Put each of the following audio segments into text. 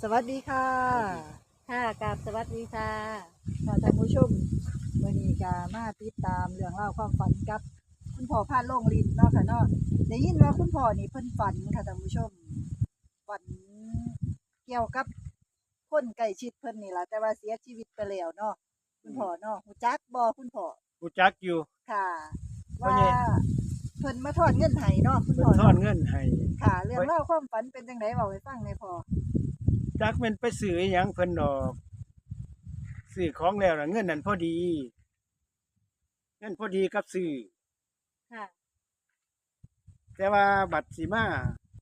สวัสดีค่ะค่ะกับสวัสดีค่ะท่านผู้ชมวันนี้ก็มาติดตามเรื่องราวความฝันกับคุณพ่อพาดโล่งลิ้นเนาะค่ะเนาะได้ยินว่าคุณพ่อนี่เพิ่นฝันค่ะท่านผู้ชมฝันเกี่ยวกับคนใกล้ชิดเพิ่นนี่ล่ะแต่ว่าเสียชีวิตไปแล้วเนาะคุณพ่อเนาะฮู้จักบ่คุณพ่อรู้จักอยู่ค่ะเพราะว่านี่เพิ่นมาทอนเงินให้เนาะคุณเพิ่นพ่อทอนเนาะเงินให้ค่ะเรื่องราวความฝันเป็นจังไดเว้าให้ฟังหน่อยพ่อจักแม่นไปซื้ออิหยังเพิ่นดอกซื้อของแล้วน่ะเงินนั่นพอดีเงินพอดีกับซื้อค่ะแต่ว่าบัตรสิมา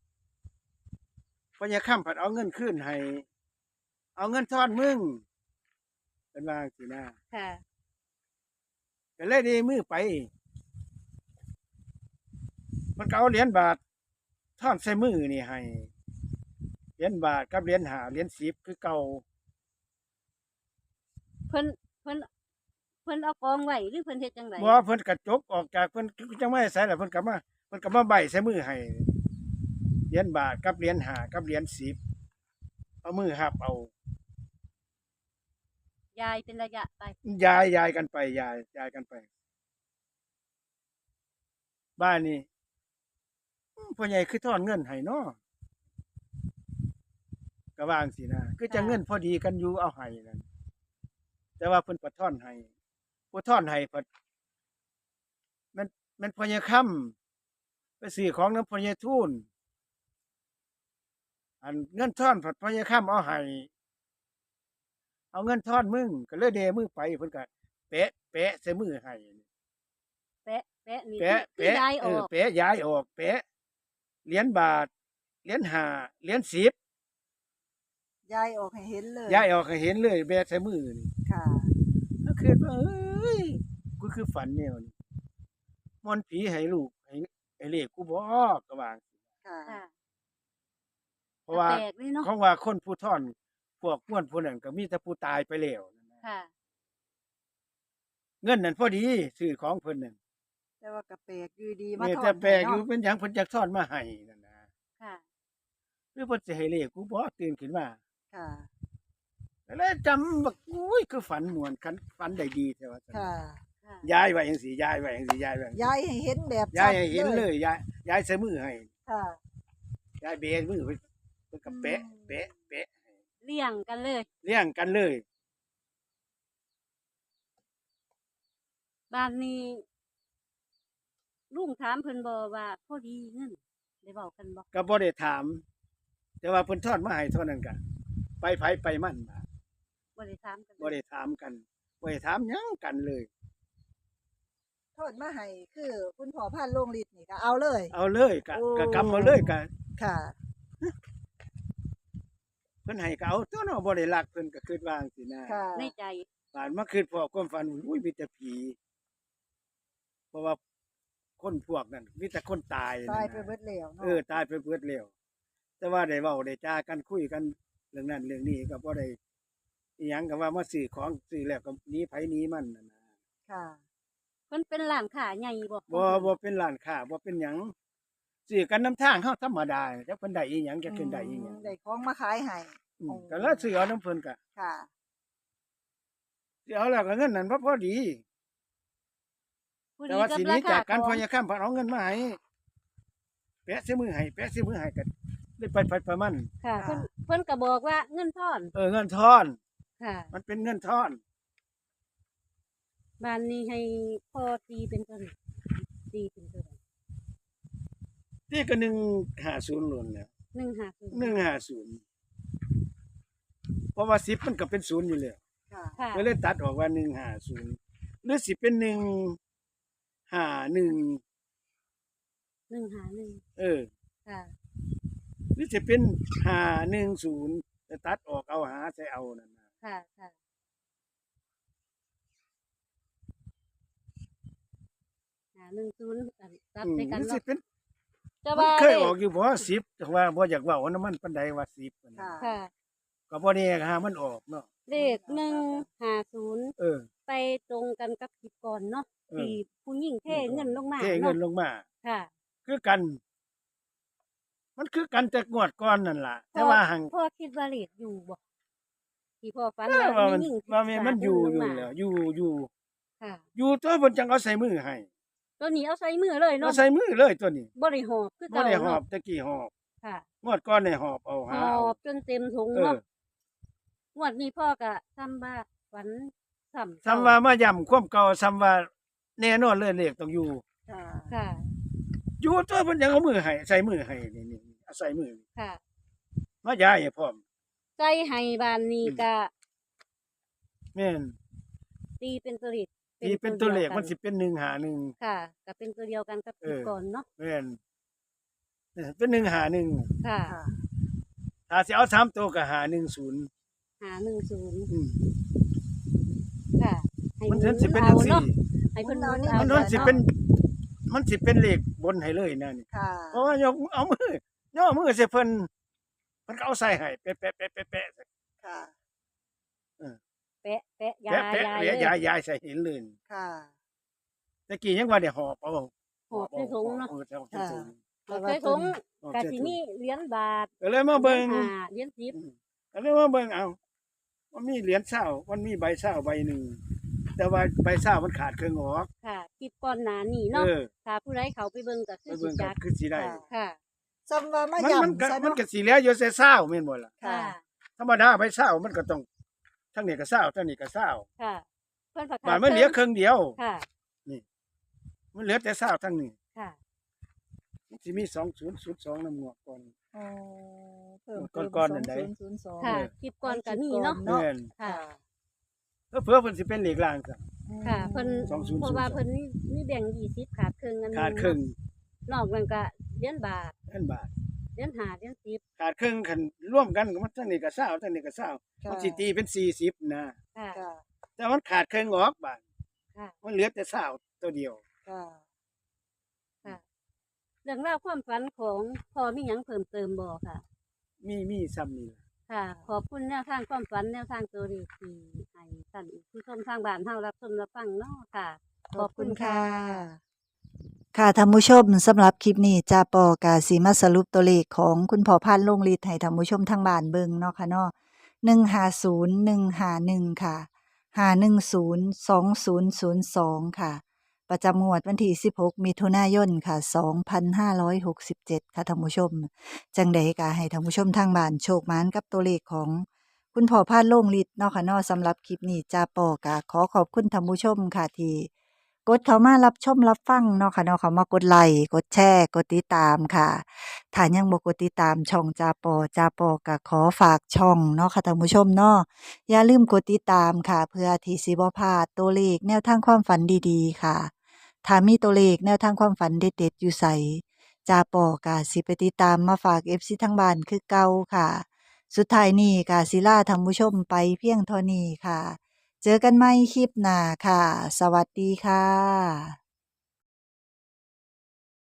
พญาค่ำผัดเอาเงินคืนให้เอาเงินทอนมึงเป็นว่าจังซี่นะค่ะก็เลยได้มือไปมันก็เอาเหรียญบาททอนใส่มือนี่ให้เหรียญบาทกับเหรียญ5เหรียญ10คือเก่าเพิ่นเพิ่นเพิ่นเอากองไว้หรือเพิ่นเฮ็ดจังไดบ่เพิ่นก็จกออกจากเพิ่นจังไม่ใส่แล้วเพิ่นก็มาใบใส่มือให้ เหรียญบาทกับเหรียญ5กับเหรียญ10เอามือหับเอายายเป็นระยะไปยายกันไปยายกันไปบ้านนี้พ่อใหญ่คือทอนเงินให้เนาะก็ว่าจั่งซี้นะคือจะเงินพอดีกันอยู่เอาให้นั่นแต่ว่าเพิ่นบ่ทอนให้ผู้ทอนให้เพิ่นมันพ่อใหญ่ค่ำไปซื้อของนำพ่อใหญ่ทูลอันเงินทอนพ่อใหญ่ค่ำเอาให้เอาเงินทอนมึงก็เลยเดมือไปเพิ่นก็แปะใส่มือให้แปะแปะนี่แปะคือยายออกแปะย้ายออกแปะเหรียญบาทเหรียญ5เหรียญ10 ยายออกให้เห็นเลยย้ายออกให้เห็นเลยแบะใส่มือนี่ค่ะก็คิดว่าเอ้ยกูคือฝันแนวนี้มอนต์ผีให้ลูกให้เลขกูบ่ก็ว่าค่ะค่ะเพราะว่าแปลกเลยเนาะของว่าคนผู้ท่อนพวกม่วนผู้นั้นก็มีแต่ผู้ตายไปแล้วนั่นนะค่ะเงินนั่นพอดีซื้อของเพิ่นนั่นแต่ว่าก็แปลกอยู่ดีมานี่ถอแต่นแปลกอยู่ให้เนาะเป็นหยังเพิ่นจักทอนมาให้นั่นนะค่ะหรือเพิ่นสิให้เลขกูบ่ตื่นขึ้นมาค่ะก็เลยจำบักอุ้ยคือฝันม่วนคันฝันได้ดีแท้ว่าซั่นค่ะค่ะย้ายไว้จังซี่ย้ายไว้จังซี่ย้ายไว้จังซี่ยายให้เห็นแบบย้าชัดยให้เห็นเลเลยยย้ายใส่มือให้ค่ะย้ายเบนมือเพิ่นก็แปะแปะแปะให้เลี่ยงกันเลยเลี้ยงกันเลยบ้านนี้ลุงถามเพิ่นบ่ว่าพอดีเงินได้เว้ากันบ่ก็บ่ได้ถาม แต่ว่าเพิ่นทอดมาให้เท่านั้นก็ไปไผไปมันบาดบ่ได้ถามกันบ่ได้ถามกันบ่ได้ถามหยังกันเลยโทษมาให้คือคุณพ่อพานโรงฤทธิ์นี่ก็เอาเลยเอาเลยก็โอ้ก็กำเอาเลยก็ค่ะเพิ่นให้ก็เอาตัวเนาะบ่ได้รักเพิ่นก็คิดว่าจังซี่นะค่ะในใจบาดมาคิดพอความฝันอุ้ยมีแต่ผีเพราะว่าคนพวกนั้นมีแต่คนตายนั่นตายน่ะไปเบิดแล้วเนาะตายไปเบิดแล้วแต่ว่าได้เว้าได้จากันคุยกันเรื่องนั้นเรื่องนี้ก็บ่ได้อิหยังก็ว่ามาซื้อของซื้อแล้วก็หนีไผหนีมันนั่นน่ะค่ะเพิ่นเป็นร้านค้าใหญ่บ่บ่เป็นร้านค้าบ่เป็นหยังซื้อกันนำทางเฮาธรรมดาจักเพิ่นได้อีหยังจักเพิ่นได้อีหยังได้ของมาขายให้ก็แล้วซื้อเอานำเพิ่นก็ค่ะซื้อเอาแล้วก็เงินนั้นบ่พอดีผู้แต่ดีว่ากับสิหนีราคาจากกันขพออง ยาค่ำเพิ่นเอาเงินมาให้แปะใส่มือให้แปะใส่มือให้ก็ได้ไปประมาณค่ะเพิ่นก็บอกว่าเงินทอนเงินทอนค่ะมันเป็นเงินทอนบ้านนี้ให้พ่อตีเป็นตัวไหนตีเป็นตัวไหนที่ก็150ล้วนแล้ว 150 150เพราะว่า10มันก็เป็น0อยู่แล้วค่ะค่ะก็เลยตัดออกว่า150หรือสิเป็น151 151ค่ะหรือสิเป็น510แต่ตัดออกเอาหาใส่เอานั่นน่ะค่ะค่ะ10อันตัดใส่กันหรือสิเนาะเป็นแต่มันว่าเคยออกอยู่บ่10แต่ว่าบ่อยากเว้านำมันปานใดว่า10นั่นค่ะน่ะค่ะก็บ่แน่หามันออกเนาะเลข150 เออไปตรงกันกับคลิปก่อนเนาะเออที่ผู้หญิงเทเงินลงมาเทเงินลเนาะงมาค่ะคือกันมันคือกันแต่งวดก่อนนั่นล่ะ แต่พ่อว่าหังพ่อคิดว่าเลขอยู่บ่ที่พ่อฝันว่าว่ามันมีหญิงว่ามันอยู่ลงอยู่มาแล้วอยู่ค่ะอยู่ตัวเพิ่นจังเอาใส่มือให้ตัวนี้เอาใส่มือเลยเอาเนาะใส่มือเลยตัวนี้บ่ได้หอบคือบ่เก่าได้หอเนาะบตะกี้หอบค่ะงวดก่อนนี่หอบเอาหหาอเอาบจนเต็มถุงเออเนาะงวดนี้พ่อก็ซ้ำว่าฝันซ้ำซ้ำว่ามาย้ำความเก่าซ้ำว่าแน่นอนเลยเลขต้องอยู่ค่ะค่ะอยู่ตัวเพิ่นยังเอามือให้ใส่มือให้นี่เอาใส่มือค่ะมาย้ายให้พร้อมใจให้บ้านนี้ก็แม่นตีเป็นตัวเลขที่เป็นตัวเลขดียกัมันสิเป็น151 ค่ะก็เป็นตัวเดียวกันกับที่ก่อนเนาะแม่นเป็น151 ค่ะค่ะถ้าสิเอา3ตัวก็510 510 อืมค่ะให้มันหถึงสิเป็นอาจังซี่เนาะให้เพิ่นหมุนเอามันเนาะสิเป็น มันสิเป็นเลขบนให้เลยนะนี่ค่ะเพราะว่ายกเอามือย่อมือใส่เพิ่นก็เอาใส่ให้แปะๆๆๆค่ะแปะแปะๆยาแปะยายๆเลเหลืยยายใส่เห็นเลยค่ะตะกี้ยังว่าได้หอบเอาหอบใส่ถุงเนาะหอบใส่ถุงเอาใส่ถุงหอบก็ใส่สิถุงมีเหรียญบาทก็เลยมาเบิ่งเหรียญห้าเหรียญ10 ก็เลยมาเบิ่งเอามันมีเหรียญเช้ามันมีใบเช้าใบหนึงแต่ว่าใบเช้ามันขาดครึ่งออกค่ะคลิปก่อนหน้านี้เอเนาะอถ้าผู้ใดเขาไปเบิ่งก็ไปคือสิเบิ่งก็จักคือสิได้ค่ะค่ะซ้ำว่ามามันย่ำมันก็ซะมันเนาะก็สิเหลืออยู่แต่เช้าแม่นบ่ล่ะค่ะค่ะธรรมดาใบเช้ามันก็ต้องทั้งนี้ก็เช้าทั้งนี้ก็เช้าค่ะ เพิ่นประกาศบาดมันเหลือครึ่งเดียวค่ะมันเหลือแต่เช้าทั้งนี้ค่ะมันสิมี2002นำงวดก่อนอ๋อเพิ่มเติมก่อนๆนั่นใด 2002 ค่ะคลิปก่อนก็นี่เนาะเนาะแม่นค่ะเผื่อเพิ่นสิเป็นเลขล่างซะค่ะเพิ่น 2002 เพราะว่าเพิ่นมีแบ่ง20ขาดครึ่งอันหนึ่งขาดครึ่งนอกนั้นก็เหรียญบาทเงินบาทเหรียญ5เหรียญ10 ขาดครึ่งคันร่วมกันก็มันทั้งนี้ก็20ทั้งนี้ก็20 ค่ะมันสิตีเป็น40นะค่ะค่ะแต่มันขาดครึ่งออกบาดค่ะมันเหลือแต่20ตัวเดียวค่ะค่ะ เรื่องราวความฝันของพ่อมีหยังเพิ่มเติมบ่ค่ะมีซ้ำนี่ล่ะค่ะ ขอบคุณแนวทางความฝันแนวทางตัวเลขที่ให้ท่านผู้ชมทางบ้านเฮารับชมรับฟังเนาะค่ะขอบคุณค่ะ ค่ะท่านผู้ชมสำหรับคลิปนี้จาปอกาสีมาสรุปตัวเลขของคุณพ่อพันธุ์ลงฤทธิ์ให้ท่านผู้ชมทางบ้านเบิ่งเนาะค่ะเนาะ150151ค่ะ5102002ค่ะ ประจำงวดวันที่16มิถุนายนค่ะ2567ค่ะท่านผู้ชม จังใดก็ให้ท่านผู้ชมทางบ้านโชคหมานกับตัวเลขของคุณพ่อพันธุ์ลงฤทธิ์เนาะค่ะเนาะสำหรับคลิปนี้จาปอกาขอขอบคุณท่านผู้ชมค่ะที่ กดเข้ามารับชมรับฟังเนาะค่ะเนาะเขามากดไลค์กดแชร์กดติดตามค่ะถ้ายังบ่กดติดตามช่องจาปอก็ขอฝากช่องเนาะค่ะท่านผู้ชมเนาะอย่าลืมกดติดตามค่ะ เพื่อที่สิบ่พลาดตัวเลขแนวทางความฝันดีๆค่ะถ้ามีตัวเลขแนวทางความฝันเด็ดๆอยู่ไสจาปอก็สิไปติดตามมาฝาก FC ทางบ้านคือเก่าค่ะ สุดท้ายนี้ก็สิลาท่านผู้ชมไปเพียงเท่านี้ค่ะ เจอกันใหม่คลิปหน้าค่ะ สวัสดีค่ะ